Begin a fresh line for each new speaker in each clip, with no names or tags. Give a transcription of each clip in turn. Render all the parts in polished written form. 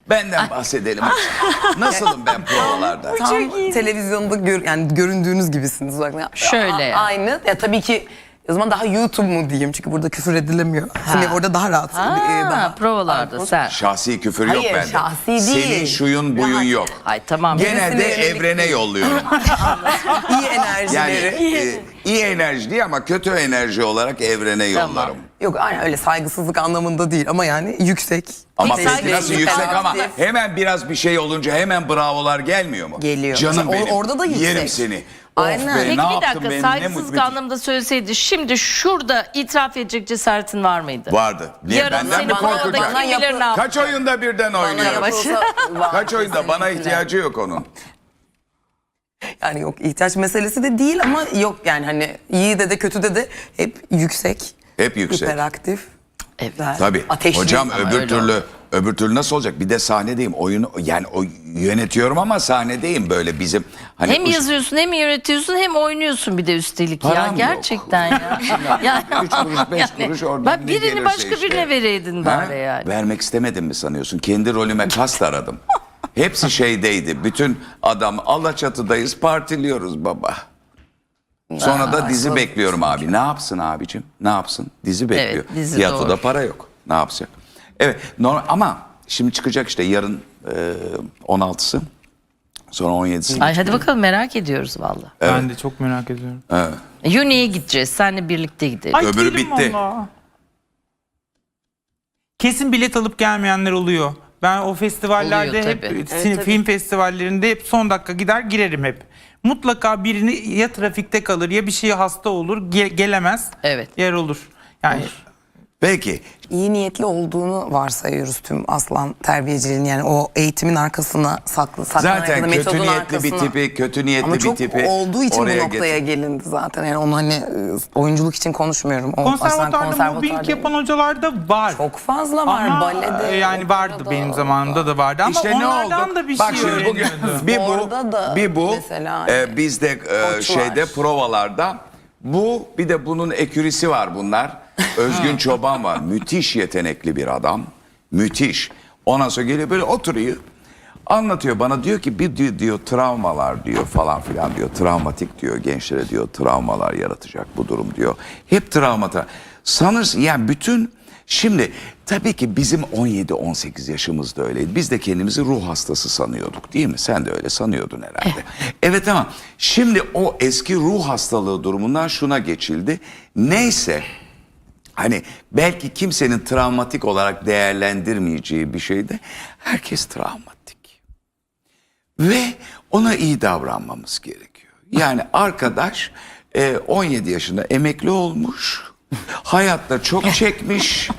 Benden bahsedelim. Nasılım ben provalarda?
Tam televizyonda yani göründüğünüz gibisiniz uzaktan.
Şöyle.
Aynı. Ya tabii ki o zaman daha YouTube mu diyeyim çünkü burada küfür edilemiyor. Hani orada daha rahat. Daha
provalarda sen.
Şahsi küfür yok
Hayır,
bende.
şahsi değil.
Senin şuyun buyun
Rahat.
yok.
Ay tamam.
Genelde
Gerisini
evrene yolluyorum.
iyi enerjileri.
Yani iyi enerji değil ama kötü enerji olarak evrene
Tamam.
yollarım.
Yok aynen öyle saygısızlık anlamında değil ama yani yüksek.
Ama
Peki,
peki nasıl
saygısızlık
yüksek ama
aktif.
hemen biraz bir şey olunca hemen bravolar gelmiyor mu?
Geliyor.
Canım
Mesela
benim.
orada da yüksek.
Yerim seni.
Aynen.
Of be,
Peki
ne
bir
yaptın
dakika,
benim, ne
saygısızlık
mutlu.
anlamında söyleseydi şimdi şurada itiraf edecek cesaretin var mıydı?
Vardı. Niye
Yarın
benden
seni
mi
provada
korkacak?
bana
kim bilir ne yaptı?
Kaç oyunda birden oynuyor?
Yapılsa var.
Kaç oyunda? Bana
Kesinlikle.
ihtiyacı yok onun.
Yani yok ihtiyaç meselesi de değil ama yok yani hani iyi de kötü de hep yüksek.
Hep yüksek.
Hiperaktif.
Evet.
Tabii.
Ateşli.
Hocam
Ama
öbür türlü nasıl olacak? Bir de sahnedeyim. Oyunu yani yönetiyorum ama sahnedeyim böyle bizim hani
Hem yazıyorsun hem yönetiyorsun hem oynuyorsun bir de üstelik ya.
Param yok.
Gerçekten ya. Yani,
3 kuruş 5 kuruş oradan
bak
ne
birini
gelirse
başka
işte.
birine vereydin
Ha?
bari yani.
Vermek istemedim mi sanıyorsun? Kendi rolüme kast aradım. Hepsi şeydeydi. Bütün adam Alaçatı'dayız partiliyoruz baba. Sonra da dizi bekliyorum abi. Ne yapsın abicim? Ne yapsın? Dizi bekliyor.
dizi
Tiyatroda
doğru.
para yok. Ne yapacak? Evet normal, ama şimdi çıkacak işte yarın 16'sı. Sonra 17'si.
Ay hadi bakalım merak ediyoruz valla.
Ben de çok merak ediyorum.
Uni'ye gideceğiz. Seninle birlikte gidelim.
Ay,
Öbürü
gidelim
bitti.
valla. Kesin bilet alıp gelmeyenler oluyor. Ben o festivallerde
Oluyor
hep
tabii.
film festivallerinde hep son dakika gider girerim hep. Mutlaka birini ya trafikte kalır ya bir şeye hasta olur gelemez.
Evet.
Yer olur. Yani
Peki.
İyi niyetli olduğunu varsayıyoruz tüm aslan terbiyeciliğin yani o eğitimin arkasına saklanan
Zaten
ya da
kötü
metodun
niyetli
arkasına.
bir tipi, kötü niyetli
Ama
bir
çok
tipi
olduğu için bu
oraya
noktaya gelindi zaten. Yani onu hani oyunculuk için konuşmuyorum. O
konservatuarda mobbing yapan hocalar da var.
çok fazla var
Ama
balede.
yani vardı
operada
benim zamanımda da vardı ama
İşte ne
onlardan
oldu?
da bir
Bak
şey
şimdi bugün
öğreniyordu.
Orada da
bir bu
mesela hani
bizde
koç
şeyde
var.
provalarda bu bir de bunun ekürisi var bunlar. Özgün Çoban var. Müthiş yetenekli bir adam. Müthiş. Ondan sonra geliyor böyle oturuyor. Anlatıyor bana diyor ki bir diyor travmalar diyor falan filan diyor. Travmatik diyor gençlere diyor travmalar yaratacak bu durum diyor. Hep travmata. Sanırsın yani bütün şimdi tabii ki bizim 17-18 yaşımızda öyleydi. Biz de kendimizi ruh hastası sanıyorduk değil mi? Sen de öyle sanıyordun herhalde. Evet ama şimdi o eski ruh hastalığı durumundan şuna geçildi. Neyse hani belki kimsenin travmatik olarak değerlendirmeyeceği bir şeyde herkes travmatik. Ve ona iyi davranmamız gerekiyor. Yani arkadaş 17 yaşında emekli olmuş, hayatta çok çekmiş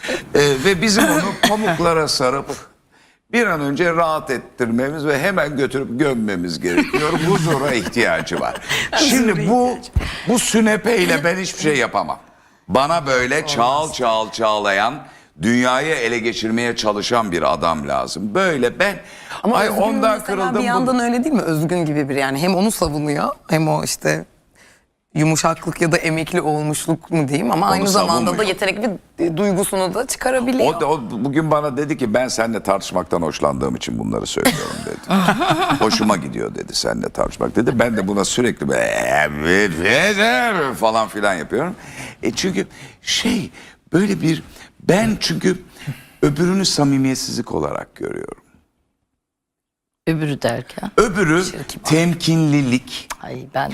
ve bizim onu pamuklara sarıp bir an önce rahat ettirmemiz ve hemen götürüp gömmemiz gerekiyor. Huzura ihtiyacı var. Şimdi bu sünepeyle ben hiçbir şey yapamam. Bana böyle çağlayan, dünyayı ele geçirmeye çalışan bir adam lazım. Böyle ben
ama
ay
Özgün
ondan
mesela
kırıldım.
bir yandan öyle değil mi? Özgün gibi bir yani hem onu savunuyor hem o işte yumuşaklık ya da emekli olmuşluk mu diyeyim ama aynı zamanda da
savunmuyor.
yetenekli bir duygusunu da çıkarabiliyor.
O bugün bana dedi ki ben seninle tartışmaktan hoşlandığım için bunları söylüyorum dedi. Hoşuma gidiyor dedi seninle tartışmak dedi. Ben de buna sürekli böyle falan filan yapıyorum. Çünkü böyle bir ben çünkü öbürünü samimiyetsizlik olarak görüyorum.
Öbürü derken.
Öbürü temkinlilik.
Ay ben de.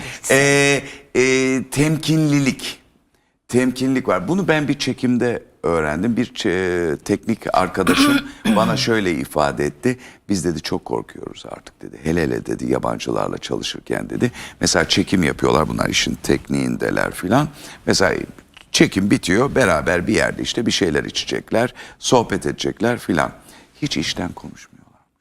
Temkinlilik var. Bunu ben bir çekimde öğrendim. Bir teknik arkadaşım bana şöyle ifade etti. Biz dedi çok korkuyoruz artık dedi. Hele hele dedi yabancılarla çalışırken dedi. Mesela çekim yapıyorlar bunlar işin tekniğindeler filan. Mesela çekim bitiyor beraber bir yerde işte bir şeyler içecekler, sohbet edecekler filan. Hiç işten konuşmuyorlar.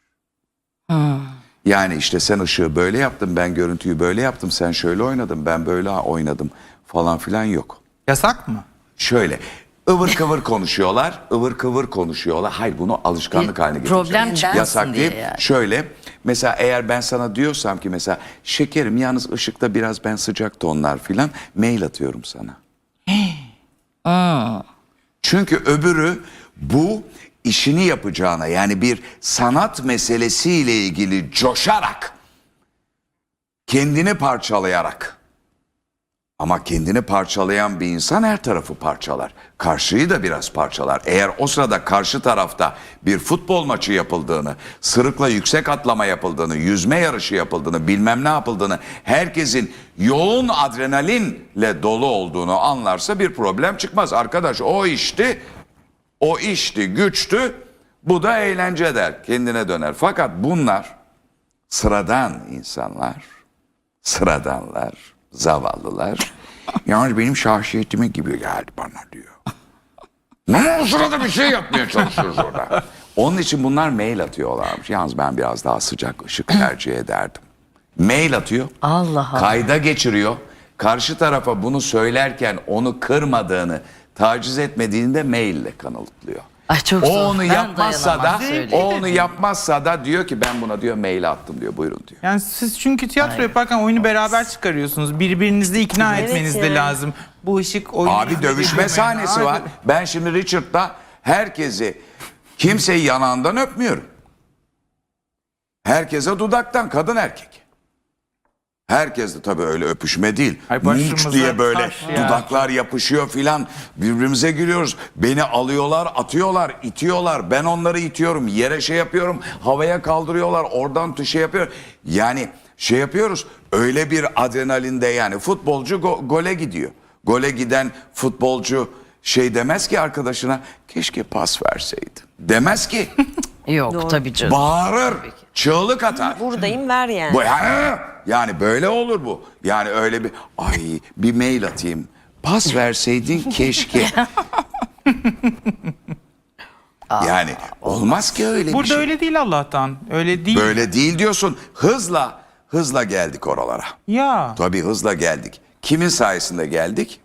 Yani işte sen ışığı böyle yaptın, ben görüntüyü böyle yaptım, sen şöyle oynadın, ben böyle oynadım falan filan yok.
Yasak mı?
Şöyle ıvır kıvır konuşuyorlar, ıvır kıvır konuşuyorlar. Hayır bunu alışkanlık
Bir
haline getireceğiz.
problem çıkmasın
Yasak
diye
değil.
yani.
Şöyle mesela eğer ben sana diyorsam ki mesela şekerim yalnız ışıkta biraz ben sıcak tonlar filan mail atıyorum sana. Çünkü öbürü bu işini yapacağına, yani bir sanat meselesiyle ilgili coşarak, kendini parçalayarak, ama kendini parçalayan bir insan her tarafı parçalar. Karşıyı da biraz parçalar. Eğer o sırada karşı tarafta bir futbol maçı yapıldığını, sırıkla yüksek atlama yapıldığını, yüzme yarışı yapıldığını, bilmem ne yapıldığını, herkesin yoğun adrenalinle dolu olduğunu anlarsa bir problem çıkmaz. Arkadaş o işti, güçtü, bu da eğlence der, kendine döner. Fakat bunlar sıradan insanlar, sıradanlar, zavallılar. Yani benim şahsiyetime gibi geldi bana diyor. Ne o sırada bir şey yapmaya çalışıyoruz orada. Onun için bunlar mail atıyorlarmış. Yalnız ben biraz daha sıcak ışık tercih ederdim. Mail atıyor.
Allah Allah.
Kayda geçiriyor. Karşı tarafa bunu söylerken onu kırmadığını, taciz etmediğini de maille kanıtlıyor.
Ay çok
O
zor.
onu
Ben
yapmazsa da,
dayanamam, söyleyeyim.
o onu yapmazsa da diyor ki ben buna diyor mail attım diyor. Buyurun diyor.
Yani siz çünkü tiyatro yaparken oyunu beraber çıkarıyorsunuz. Birbirinizi ikna
Evet
etmeniz de
yani.
lazım. Bu ışık oyunu...
Abi dövüşme sahnesi var. Ben şimdi Richard'da herkesi, kimseyi yanağından öpmüyorum. Herkese dudaktan, kadın erkek. Herkes de tabii öyle öpüşme değil.
Ay,
Munch
başımıza
diye böyle
taş ya.
dudaklar yapışıyor filan. Birbirimize gülüyoruz. Beni alıyorlar, atıyorlar, itiyorlar. Ben onları itiyorum. Yere şey yapıyorum. Havaya kaldırıyorlar. Oradan şey yapıyor. Yani şey yapıyoruz. Öyle bir adrenalinde, yani futbolcu gole gidiyor. Gole giden futbolcu şey demez ki arkadaşına, keşke pas verseydin. Demez ki.
Yok tabii canım.
Bağırır. Çığlık atar.
Buradayım ver yani.
Bu, yani böyle olur bu. Yani öyle bir, ay bir mail atayım. Pas verseydin keşke. Yani olmaz ki öyle bir
Burada
şey.
öyle değil Allah'tan. Öyle değil.
Böyle değil diyorsun. Hızla geldik oralara.
Ya.
Tabii hızla geldik. Kimin sayesinde geldik?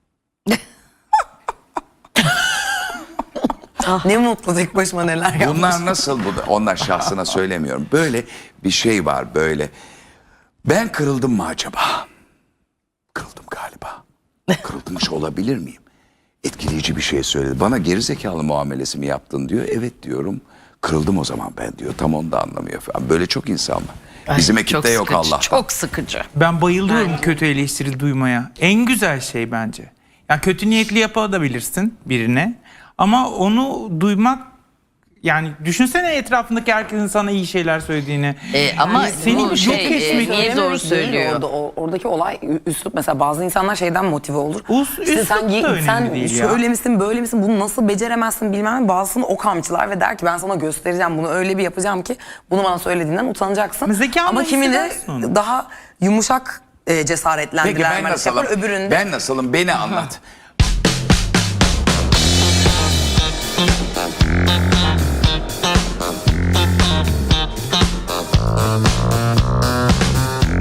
Ne mutlu tek başıma neler yapmış.
Bunlar nasıl bu? Onlar şahsına söylemiyorum. Böyle bir şey var böyle. Ben kırıldım mı acaba? Kırıldım galiba. Kırılmış olabilir miyim? Etkileyici bir şey söyledi. Bana gerizekalı muamelesi mi yaptın diyor. Evet diyorum. Kırıldım o zaman ben diyor. Tam onu da anlamıyor falan. Böyle çok insan var.
Ay,
Bizim
çok
ekipte yok
sıkıcı,
Allah'tan.
Çok sıkıcı.
Ben bayılıyorum kötü eleştiri duymaya. En güzel şey bence. Yani kötü niyetli yapabilirsin birine. Ama onu duymak, yani düşünsene etrafındaki herkesin sana iyi şeyler söylediğini.
Ama
senin
bu
yok
şey
etmek-
niye doğru söylüyor?
Orada, oradaki olay üslup, mesela bazı insanlar şeyden motive olur.
Üslup
sen
da önemli değil ya.
şöyle misin böyle misin, bunu nasıl beceremezsin bilmem ne. Bazısını o kamçılar ve der ki ben sana göstereceğim, bunu öyle bir yapacağım ki bunu bana söylediğinden utanacaksın.
Zekanla
Ama kimi de
hissedersin onu.
daha yumuşak
Peki
cesaretlendiler.
ben nasılım?
Öbüründe
Ben nasılım? Beni anlat.